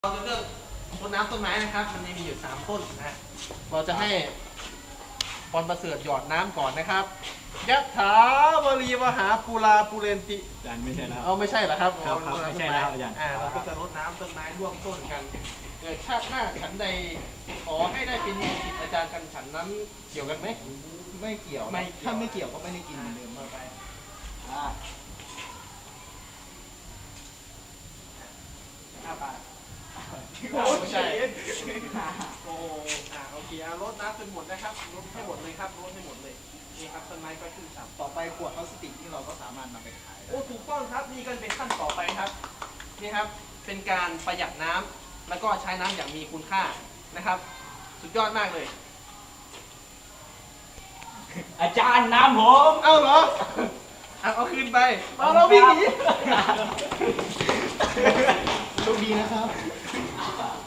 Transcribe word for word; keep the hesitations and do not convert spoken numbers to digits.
เราจะเลือกต้นน้ำต้นไม้นะครับมันมีอยู่สามต้นนะเราจะให้พรประเสริฐหยอดน้ำก่อนนะครับยะถาวรีวหาปูราปูเรนติอาจารย์ไม่ใช่แล้วเอาไม่ใช่เหรอครับครับครับไม่ใช่แล้วอาจารย์อ่าเราก็จะรดน้ำต้นไม้ร่วมต้นกันเกิดชาติหน้าฉันใดขอให้ได้เป็นศิษย์อาจารย์กันฉันนั้นเกี่ยวกันไหมไม่เกี่ยวไม่เกี่ยวถ้าไม่เกี่ยวก็ไม่ได้กินเหมือนเดิมต่อไปอ่าห้าบาทไม่ใช่โอ้อ่าโอเคเอารดน้ำจนหมดนะครับรดให้หมดเลยครับรดให้หมดเลยนี่ครับต้นไม้ก็ขึ้นสับต่อไปขวดพลาสติกที่เราก็สามารถนำไปขายได้โอ้ถูกต้องครับนี่ก็เป็นขั้นต่อไปครับนี่ครับเป็นการประหยัดน้ำแล้วก็ใช้น้ำอย่างมีคุณค่านะครับ สุดยอดมากเลยอาจารย์น้ำผมเอ้าเหรอเอาเอาคืนไปเอาเราวิ่งหนีโชคดีนะครับ